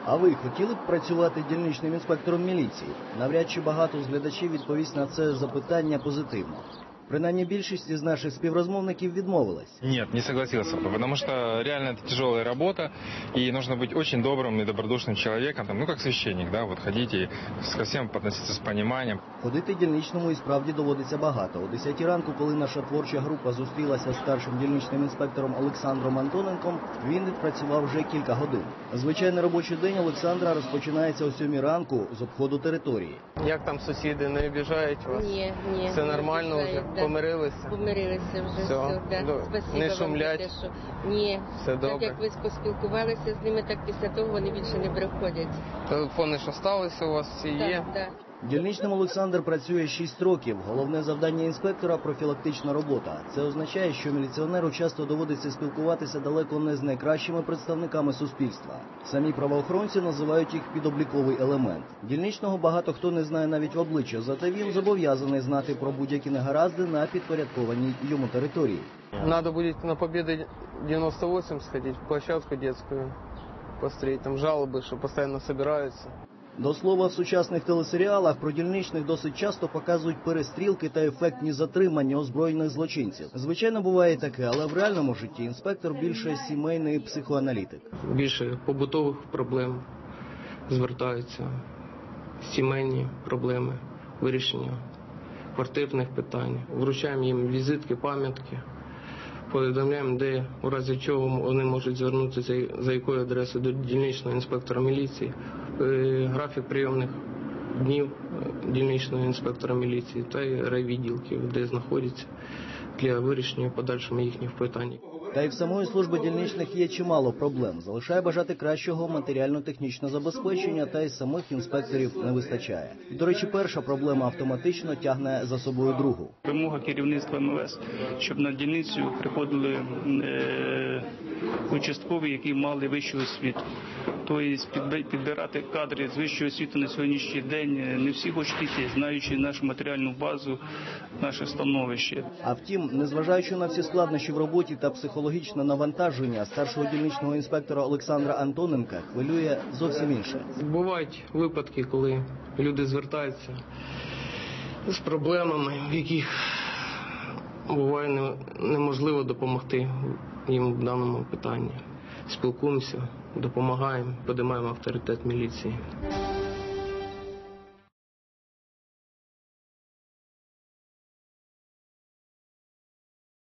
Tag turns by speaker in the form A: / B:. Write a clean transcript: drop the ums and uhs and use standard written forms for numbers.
A: А ви хотіли б працювати дільничним інспектором міліції? Навряд чи багато з глядачів відповість на це запитання позитивно. Принаймні більшість із наших співрозмовників відмовилась.
B: Нет, не согласился бы, потому что реально это тяжелая работа, и нужно быть очень добрым и добродушным человеком, там, ну как священник, да, вот ходить и ко всем относиться с пониманием.
A: Ходити дільничному і справді доводиться багато. О 10 ранку, коли наша творча група зустрілася з старшим дільничним інспектором Олександром Антоненком, він відпрацював вже кілька годин. Звичайний робочий день Олександра розпочинається о 7 ранку з обходу території.
C: Як там сусіди, не обіжають вас?
D: Ні.
C: Все нормально вже?
D: Да.
C: Помирилися?
D: Помирилися вже, все. Да. Спасибо
C: Не
D: вам
C: шумлять?
D: за те, що... Ні.
C: Все добре?
D: Так як ви поспілкувалися з ними, так після того вони більше не приходять.
C: Телефони ж залишилися у вас всі є?
D: Так.
A: Дільничним Олександр працює 6 років. Головне завдання інспектора – профілактична робота. Це означає, що міліціонеру часто доводиться спілкуватися далеко не з найкращими представниками суспільства. Самі правоохоронці називають їх підобліковий елемент. Дільничного багато хто не знає навіть в обличчя, зате він зобов'язаний знати про будь-які негаразди на підпорядкованій йому території.
C: Надо будет на Победы 98 сходить, в площадку детскую посмотреть. Там жалобы, что постоянно собираются.
A: До слова, в сучасних телесеріалах про дільничних досить часто показують перестрілки та ефектні затримання озброєних злочинців. Звичайно, буває таке, але в реальному житті інспектор більше сімейний психоаналітик.
C: Більше побутових проблем звертаються, сімейні проблеми, вирішення квартирних питань. Вручаємо їм візитки, пам'ятки, повідомляємо, де, у разі чого вони можуть звернутися, за якою адресою до дільничного інспектора міліції, графік прийомних днів дільничного інспектора міліції та й райвідділків, де знаходяться для вирішення подальшого їхніх питань.
A: Та й в самої служби дільничних є чимало проблем. Залишає бажати кращого матеріально-технічного забезпечення, та й самих інспекторів не вистачає. До речі, перша проблема автоматично тягне за собою другу.
E: Вимога керівництва МВС, щоб на дільницю приходили участкові, які мали вищу освіту. Тобто підбирати кадри з вищої освіти на сьогоднішній день не всі хочуть йти, знаючи нашу матеріальну базу, наше становище.
A: А втім, незважаючи на всі складнощі в роботі та психологічне навантаження, старшого дільничного інспектора Олександра Антоненка хвилює зовсім інше.
C: Бувають випадки, коли люди звертаються з проблемами, в яких буває неможливо допомогти їм в даному питанні. Спілкуємося, допомагаємо, підіймаємо авторитет міліції.